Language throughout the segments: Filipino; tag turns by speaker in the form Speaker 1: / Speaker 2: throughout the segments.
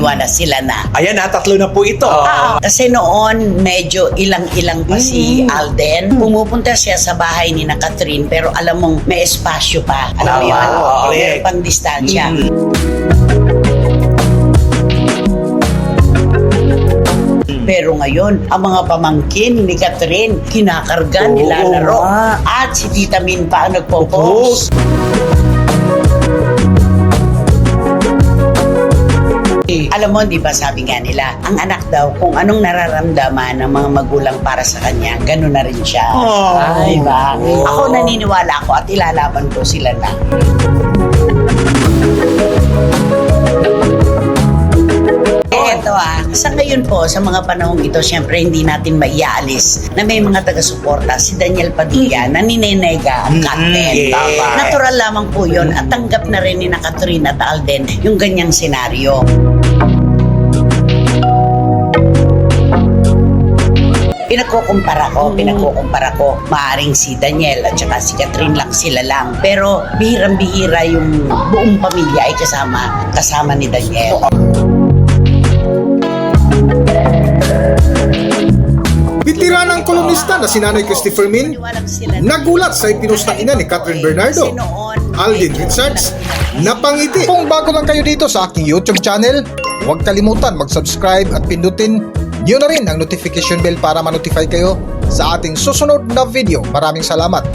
Speaker 1: naghiwa na sila na.
Speaker 2: Ayan na, 3 na po ito.
Speaker 1: Kasi noon, medyo ilang-ilang pa si Alden. Pumupunta siya sa bahay ni na Catherine, pero alam mong may espasyo pa. Alam mo yun? Meron pang distansya. Pero ngayon, ang mga pamangkin ni Catherine, kinakarga, nilalaro. At si Tita Min pa ang nagpo-post. Alam mo, di ba sabi nga nila, ang anak daw, kung anong nararamdaman ng mga magulang para sa kanya, gano'n na rin siya. Ay, ba? Ako naniniwala ako at ilalaban ko sila na. Ito sa ngayon po, sa mga panahong ito, syempre hindi natin maiaalis na may mga taga-suporta, si Daniel Padilla, na ninenega ang content. Natural lamang po yun at tanggap na rin ni na Catherine at Alden yung ganyang senaryo. Pinagkukumpara ko, maaring si Daniel at saka si Catherine lang sila lang. Pero bihirang-bihira yung buong pamilya ay kasama ni Daniel.
Speaker 3: Bitiranang kolumnista na si Nanay Christopher Min nagulat sa ipinost ng ina ni Catherine Bernardo, Alden Richards, napangiti. Kung bago lang kayo dito sa aking YouTube channel, huwag kalimutan mag-subscribe at pindutin niyo na rin ang notification bell para ma-notify kayo sa ating susunod na video. Maraming salamat.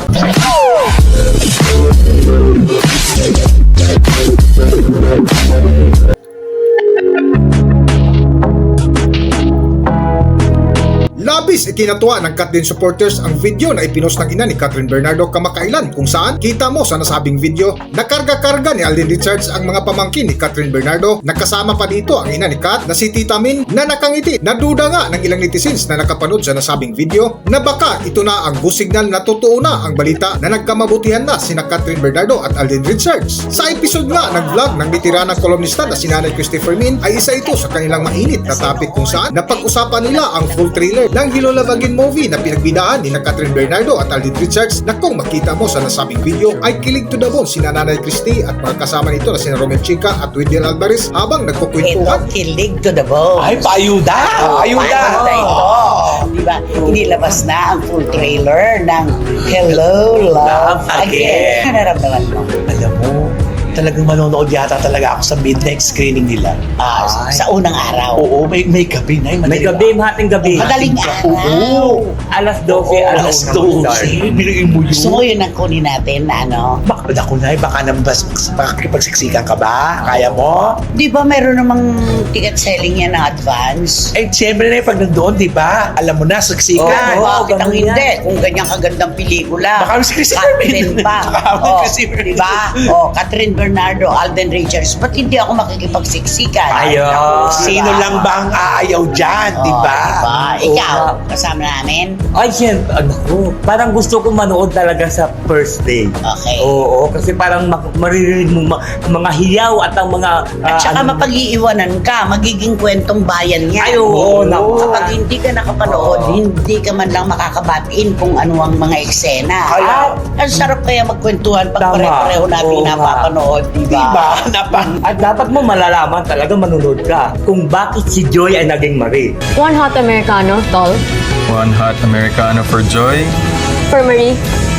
Speaker 3: Labis ikinatuwa ng Kat Din supporters ang video na ipinost ng ina ni Catherine Bernardo kamakailan, kung saan kita mo sa nasabing video na karga-karga ni Alden Richards ang mga pamangkin ni Catherine Bernardo. Nakasama pa dito ang ina ni Kat na si Tita Min na nakangiti. Naduda nga ng ilang netizens na nakapanood sa nasabing video na baka ito na ang go signal na totoo na ang balita na nagkamabutihan na sina Catherine Bernardo at Alden Richards. Sa episode nga ng vlog ng bitiranang kolumnista na si Nanay Christopher Min ay isa ito sa kanilang mainit na topic kung saan napag-usapan nila ang full trailer ng Hilolavagin movie na pinagbidaan ni na Catherine Bernardo at Alden Richards, na kung makita mo sa nasabing video ay kilig to the bone si Nanay Christy at mga kasama nito na si Romel Chica at Wendell Alvarez habang nagkukwentuhan.
Speaker 1: Ito, kilig to the bone.
Speaker 2: Ay, paayuda! Ayuda!
Speaker 1: Ito. Diba? Inilabas na ang full trailer ng Hello, Love Again. Ano naramdaman mo?
Speaker 2: Alam mo, talagang manonood yata talaga ako sa midnight screening nila.
Speaker 1: Sa unang araw.
Speaker 2: Oo, may gabi na.
Speaker 4: May gabi, mahating gabi.
Speaker 1: Madaling araw.
Speaker 4: Oo. Alas 12,
Speaker 2: Alas 12. Binuin mo yun.
Speaker 1: Gusto mo yun ang kunin natin na ano?
Speaker 2: Baka ako na, baka naman makakipagsiksikan ka ba? Kaya mo?
Speaker 1: Di ba meron namang ticket selling yan ng advance?
Speaker 2: Eh, siyempre na pag nandoon, di ba? Alam mo na, siksikan.
Speaker 1: Bakit ang
Speaker 4: ganun
Speaker 1: hindi? Kung ganyang kagandang pelikula.
Speaker 2: Baka si Christopher Min.
Speaker 1: Catherine pa.
Speaker 2: Baka si Christopher Min.
Speaker 1: Di ba? Catherine Bernardo, Alden Richards. Ba't hindi ako makikipagsiksikan?
Speaker 4: Ayaw.
Speaker 2: Sino lang ba ang aayaw dyan, di ba?
Speaker 1: Diba? Ikaw, kasama namin?
Speaker 4: Ay, siyempre, ko. Parang gusto ko manood talaga sa first day.
Speaker 1: Okay.
Speaker 4: Oo, kasi parang maririnig mo mga hiyaw at ang mga...
Speaker 1: At saka mapag-iiwanan ka, magiging kwentong bayan yan.
Speaker 4: Ay, oo, naku.
Speaker 1: Kapag hindi ka nakapanood, hindi ka man lang makakabatiin kung ano ang mga eksena. Ang sarap kaya magkwentuhan pag
Speaker 4: Tama.
Speaker 1: pare-pareho natin
Speaker 4: Oo nga.
Speaker 1: napapanood, diba?
Speaker 2: Diba?
Speaker 4: At dapat mo malalaman talaga manunod ka kung bakit si Joy ay naging Marie.
Speaker 5: One hot Americano, tall.
Speaker 6: One hot Americano for Joy.
Speaker 5: For Marie.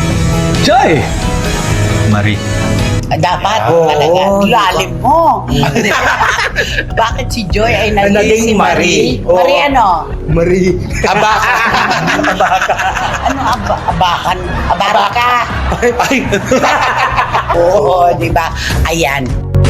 Speaker 6: Joy! Marie.
Speaker 1: Dapat talaga, lalim mo. Bakit si Joy ay naging si Marie?
Speaker 4: Oo.
Speaker 1: Marie ano?
Speaker 4: Marie.
Speaker 2: Abaka.
Speaker 1: Ano abakan? Abaraka?
Speaker 2: Ay.
Speaker 1: Oo, diba? Ayan.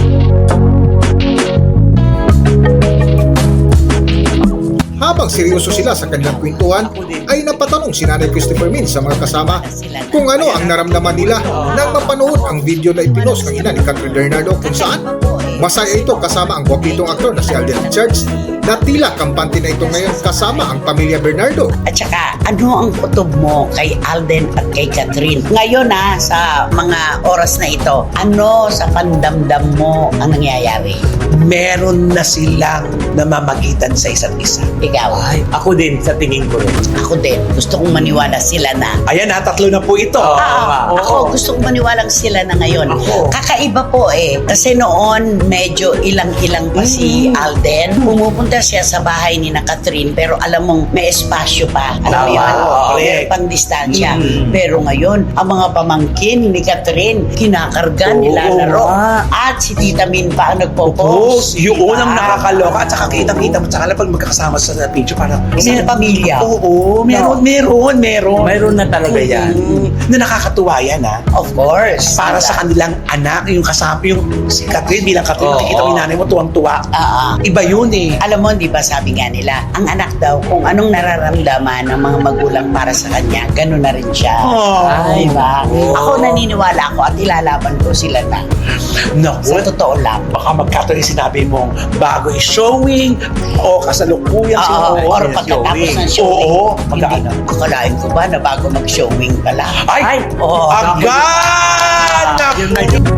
Speaker 3: Habang seryoso sila sa kanilang kwentuhan, ay napatanong si Nanay Christopher Min sa mga kasama kung ano ang naramdaman nila nang mapanood ang video na ipinost ng ina ni Catherine Bernardo, kung saan masaya ito kasama ang gwapitong aktor na si Alden Richards na tila kampante na ito ngayon kasama ang pamilya Bernardo.
Speaker 1: At saka, ano ang kutob mo kay Alden at kay Catherine? Ngayon sa mga oras na ito, ano sa pandamdam mo ang nangyayari?
Speaker 2: Meron na silang namamagitan sa isa't isa.
Speaker 1: Ikaw?
Speaker 4: Ay, ako din sa tingin ko rin.
Speaker 1: Ako din. Gusto kong maniwala sila na.
Speaker 2: Ayan na, 3 na po ito.
Speaker 4: nga.
Speaker 1: Ako, gusto kong maniwalang sila na ngayon.
Speaker 2: Ako.
Speaker 1: Kakaiba po kasi noon, medyo ilang-ilang pa si Alden. Pumupunta siya sa bahay ni na Catherine, pero alam mong may espasyo pa. Alam mo
Speaker 2: Tama.
Speaker 1: yun?
Speaker 2: Correct.
Speaker 1: May pang-distansya. Pero ngayon, ang mga pamangkin ni Catherine, kinakarga, nilalaro. At si Tita Min pa ang nagpo-post.
Speaker 2: Yung
Speaker 1: Diba?
Speaker 2: unang nakakaloka at saka kitang-kita mo tsaka pag magkakasama sa picture parang
Speaker 1: Isang pamilya.
Speaker 2: Oo, meron.
Speaker 4: Mayroon na talaga yan.
Speaker 2: Na nakakatuwa yan
Speaker 1: Of course.
Speaker 2: para
Speaker 1: Diba?
Speaker 2: sa kanilang anak, yung kasama, yung si Catherine bilang Catherine,
Speaker 4: Oo.
Speaker 2: nakikita mo yung nanay mo tuwang-tuwa. Iba yun eh.
Speaker 1: Alam mo, di ba sabi nga nila, ang anak daw, kung anong nararamdaman ng mga magulang para sa kanya, gano'n na rin siya.
Speaker 2: Ay,
Speaker 1: Diba? Ako naniniwala ako at ilalaban ko sila na.
Speaker 2: naku,
Speaker 1: Sa totoo lang.
Speaker 2: baka magkataon yung sinabi mong bago yung showing o kasalukuyan
Speaker 1: Or pagkatapos ng showing.
Speaker 2: Oo,
Speaker 1: Hindi, akalain ko ba na bago mag-showing pala?
Speaker 2: Ay,
Speaker 1: Oo.
Speaker 2: agad!
Speaker 4: Yun na yun.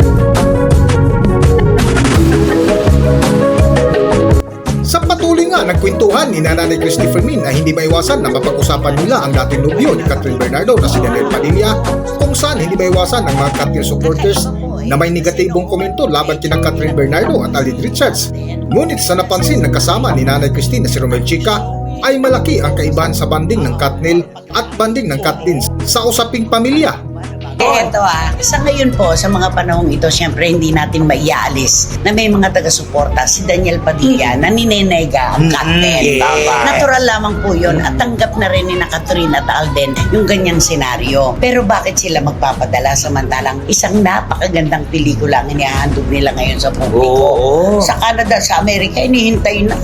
Speaker 3: Sa patuloy nga ng kwentuhan ni Nanay Christy Fermin ay hindi maiwasan na mapag-usapan nila ang dating nobyo ni Catherine Bernardo na si Daniel Padilla, kung saan hindi maiwasan ng mga Catherine supporters na may negatibong komento laban kina Catherine Bernardo at Alden Richards. Ngunit sa napansin ng kasama ni Nanay Christy na si Romel Chica ay malaki ang kaibahan sa banding ng Katnil at banding ng Katlin sa usaping pamilya.
Speaker 1: Eto sa ngayon po, sa mga panahong ito, syempre hindi natin maiaalis na may mga taga-suporta, si Daniel Padilla, na ninenega ang Catherine. Natural lamang po yun at tanggap na rin ni na Catherine at Alden yung ganyang senaryo. Pero bakit sila magpapadala samantalang isang napakagandang pelikula ang inihahandog nila ngayon sa publiko?
Speaker 4: Oo.
Speaker 1: Sa Canada, sa Amerika, inihintay na.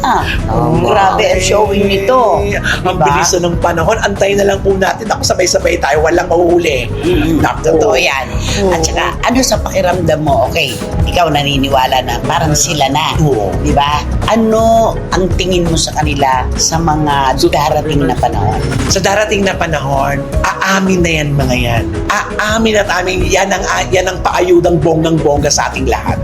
Speaker 1: Grabe ang showing nito.
Speaker 2: Ang
Speaker 1: Diba?
Speaker 2: bilis na ng panahon, antayin na lang po natin. Ako sabay-sabay tayo, walang mahuhuli.
Speaker 1: Totoo yan. At saka, ano sa pakiramdam mo, okay, ikaw naniniwala na parang sila na.
Speaker 2: Oo.
Speaker 1: Di ba? Ano ang tingin mo sa kanila sa mga darating na panahon?
Speaker 2: Sa darating na panahon, aamin na yan mga yan. Aamin at amin, yan ang paayudang bonggang-bongga sa ating lahat.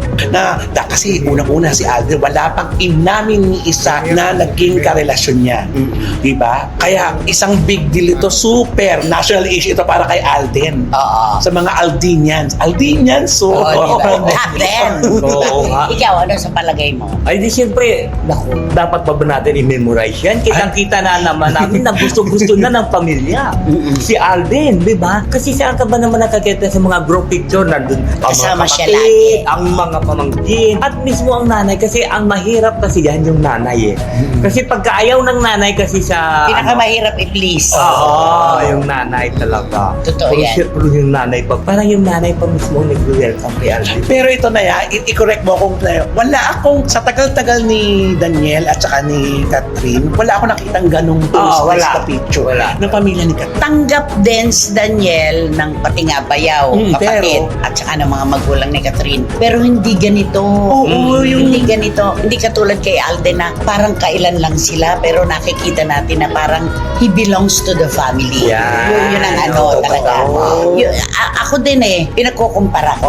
Speaker 2: Kasi unang-una si Alden, wala pang inamin ni isa na naging karelasyon niya. Diba? Kaya isang big deal ito, super national issue ito para kay Alden.
Speaker 1: Oo.
Speaker 2: Sa mga Aldinians. Aldinians, so...
Speaker 1: Oo, di ba? Captain.
Speaker 4: Oo nga.
Speaker 1: Ikaw, ano sa palagay mo?
Speaker 4: Ay di siyempre, naku, dapat pa ba natin i-memorize yan? Kitang-kita na naman namin na gusto-gusto na ng pamilya. Si Alden, di ba? Kasi saan ka ba naman nakakita sa mga group picture nandun? Ang
Speaker 1: Kasama
Speaker 4: mga
Speaker 1: siya
Speaker 4: kapatid,
Speaker 1: lagi.
Speaker 4: ang mga pamangkin, at mismo ang nanay. Kasi ang mahirap kasi yan yung nanay eh. Kasi pagka ayaw ng nanay kasi sa...
Speaker 1: Pinakamahirap i-please.
Speaker 4: Oo, yung nanay talaga.
Speaker 1: Totoo
Speaker 4: Kung
Speaker 1: yan.
Speaker 4: siyempre yung nanay pa, parang yung nanay pa mismo nag-welcome kay Alden.
Speaker 2: Pero ito na yan, i-correct mo kung wala akong, sa tagal-tagal ni Daniel at saka ni Catherine, wala akong nakitang ganong post
Speaker 4: wala.
Speaker 2: sa picture
Speaker 4: Wala.
Speaker 2: ng pamilya ni Catherine.
Speaker 1: Tanggap din si Daniel ng pati nga bayaw, kapatid, at saka ng mga magulang ni Catherine. Pero hindi ganito.
Speaker 2: Oo,
Speaker 1: Hindi ganito. Hindi katulad kay Alden na parang kailan lang sila, pero nakikita natin na parang he belongs to the family.
Speaker 4: Yan.
Speaker 1: Yun ang ano
Speaker 4: Oo,
Speaker 1: talaga.
Speaker 4: totoo.
Speaker 1: Ako din pinagkukumpara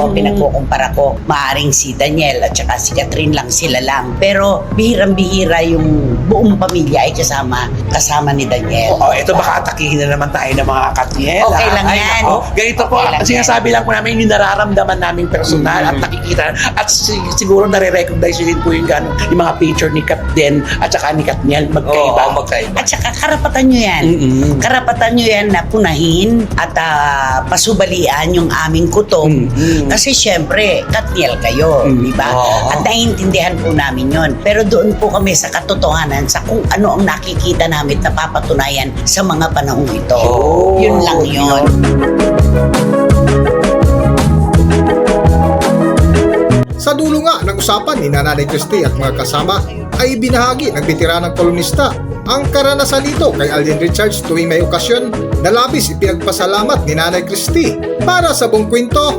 Speaker 1: ko. Maaring si Daniel at saka si Catherine lang, sila lang. Pero bihirang-bihira yung buong pamilya ay kasama ni Daniel.
Speaker 2: Oo, ito baka atakihin na naman tayo ng mga Katniel.
Speaker 1: Okay lang yan.
Speaker 2: Ganito po,
Speaker 1: Okay lang
Speaker 2: sinasabi lang po namin yung nararamdaman namin personal at nakikita at siguro nare-recognize yun din po yung, yung mga picture ni Catden at saka ni Katniel magkaiba.
Speaker 4: Oo, magkaiba.
Speaker 1: At saka karapatan nyo yan. Karapatan nyo yan na punahin at pasubalian yung aming kutob. Kasi syempre, Katniel kayo, di ba?
Speaker 4: Oo.
Speaker 1: At naiintindihan po namin yon. Pero doon po kami sa katotohanan sa kung ano ang nakikita namin na papatunayan sa mga panahong ito. Yun lang yun.
Speaker 3: Sa dulo nga ng usapan ni Nanay Christy at mga kasama ay binahagi ng bitiranang kolumnista ang karanasan nito kay Alden Richards tuwing may okasyon na labis ipinagpasalamat ni Nanay Christy. Para sa Buong Kwento,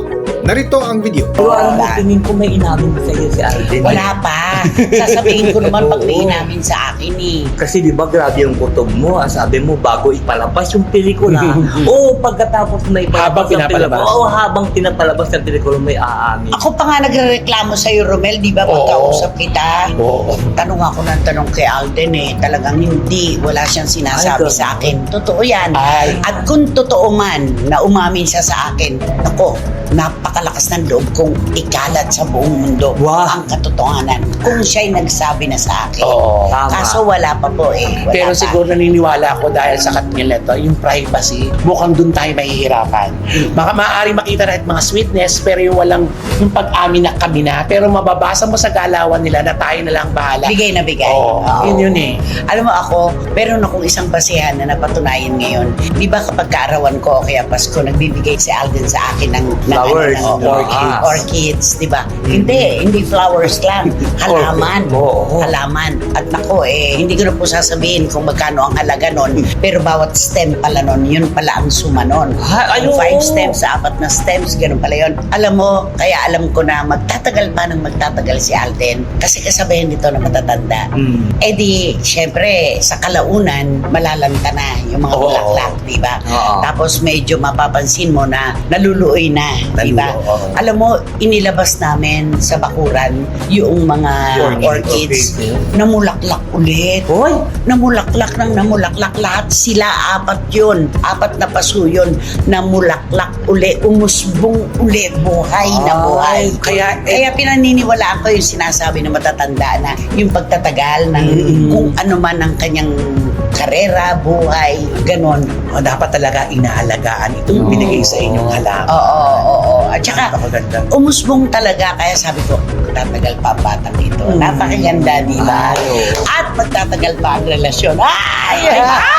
Speaker 3: Narito ang video.
Speaker 4: Pero alam mo, tingin ko may inamin sa iyo si Alden.
Speaker 1: Wala pa. Sasabihin ko naman pag may inamin sa akin eh.
Speaker 4: Kasi di ba grabe yung kutob mo, sabi mo bago ipalabas yung pelikula. Oo, pagkatapos na ipalabas
Speaker 2: Habang pinapalabas.
Speaker 4: habang pinapalabas ng pelikula may aamin.
Speaker 1: Ako pa nga nagreklamo sa'yo, Romel, di ba? Pagkausap kita.
Speaker 2: Oo.
Speaker 1: Tanong ako ng tanong kay Alden eh. Talagang hindi. Wala siyang sinasabi
Speaker 4: Ay,
Speaker 1: sa akin. Totoo yan.
Speaker 2: Ay.
Speaker 1: At kung totoo man na umamin siya sa akin, ako, napakalakas ng loob kong ikalat sa buong mundo
Speaker 4: Wow.
Speaker 1: ang katotohanan. Kung siya'y nagsabi na sa akin.
Speaker 2: Oo.
Speaker 4: Tama.
Speaker 1: Kaso wala pa po eh. Wala
Speaker 2: Pero
Speaker 1: pa.
Speaker 2: siguro naniniwala ako dahil sa Katniel nito, yung privacy, mukhang dun tayo mahihirapan. Maaari makita na mga sweetness, pero yung walang, yung pag-amin na kami na, pero mababasa mo sa galawan nila na tayo na lang bahala.
Speaker 1: Bigay na bigay.
Speaker 2: Oo,
Speaker 1: Oo.
Speaker 2: yun eh.
Speaker 1: Alam mo ako, meron akong isang basehan na napatunayan ngayon. Di ba kapag kaarawan ko o kaya Pasko, nagbibigay si Alden sa akin ng
Speaker 4: Flowers.
Speaker 1: orchids. Orchids, di ba? Hindi flowers lang. Halaman.
Speaker 4: Oo.
Speaker 1: Halaman. At nako hindi ko na po sasabihin kung magkano ang halaga nun. Pero bawat stem pala nun, yun pala ang suma nun.
Speaker 4: Ha,
Speaker 1: Yung
Speaker 4: ayun.
Speaker 1: 5 stems sa 4 na stems, ganun pala yun. Alam mo, kaya alam ko na magtatagal pa ng magtatagal si Alden. Kasi kasabihin nito na matatanda. Eh di, syempre, sa kalaunan, malalanta na yung mga
Speaker 2: Oo.
Speaker 1: bulaklak, di ba?
Speaker 4: Oo.
Speaker 1: Tapos medyo mapapansin mo na naluluoy na, di ba?
Speaker 2: Naluluoy, oo.
Speaker 1: Alam mo, inilabas namin sa bakuran yung mga orchids na mulaklak ulit.
Speaker 4: Hoy!
Speaker 1: Namulaklak ng namulaklak. Lahat sila, 4 yun. 4 na paso yun. Namulaklak uli. Umusbong uli. Buhay na buhay.
Speaker 2: Kaya,
Speaker 1: Kaya pinaniniwalaan ko yung sinasabi na matatanda na yung pagtatagal ng kung ano man ang kanyang karera, buhay, ganon.
Speaker 2: dapat talaga inaalagaan itong binigay sa inyong halaman.
Speaker 1: Oo. At saka,
Speaker 2: Napakaganda.
Speaker 1: umusbong talaga. Kaya sabi ko, magtatagal pa ang batang dito. Napakaganda, di ba? At magtatagal pa ang relasyon. Ay!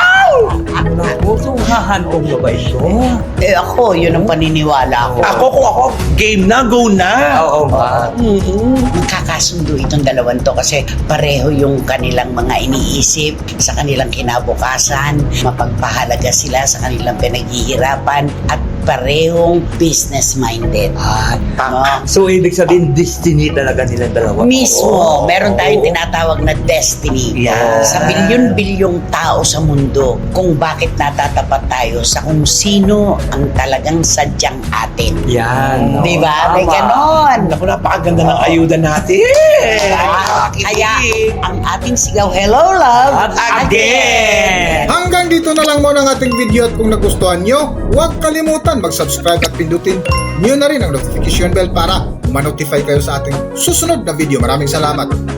Speaker 4: Naku, sunghahan ko na ba ito?
Speaker 1: Ako, yun ang paniniwala ko.
Speaker 2: Kung ako, game na, go na.
Speaker 4: Oo ba?
Speaker 1: Magkakasundo itong dalawang to kasi pareho yung kanilang mga iniisip sa kanilang kinabukasan, mapagpahalaga sila sa kanilang pinaghihirapan at parehong business-minded. No?
Speaker 4: So, ibig sabihin, destiny talaga nilang dalawa.
Speaker 1: Mismo, meron tayong tinatawag na destiny.
Speaker 2: Yeah.
Speaker 1: Sa bilyon-bilyong tao sa mundo, kung bakit natatapat tayo sa kung sino ang talagang sadyang atin.
Speaker 4: Yan.
Speaker 1: Di ba? May
Speaker 4: Tama.
Speaker 1: ganon.
Speaker 2: Naku, napakaganda ng ayuda natin.
Speaker 1: Kaya ang ating sigaw, hello love,
Speaker 4: At again!
Speaker 3: Hanggang dito na lang muna ang ating video at kung nagustuhan nyo, huwag kalimutan mag-subscribe at pindutin nyo na rin ang notification bell para ma-notify kayo sa ating susunod na video. Maraming salamat.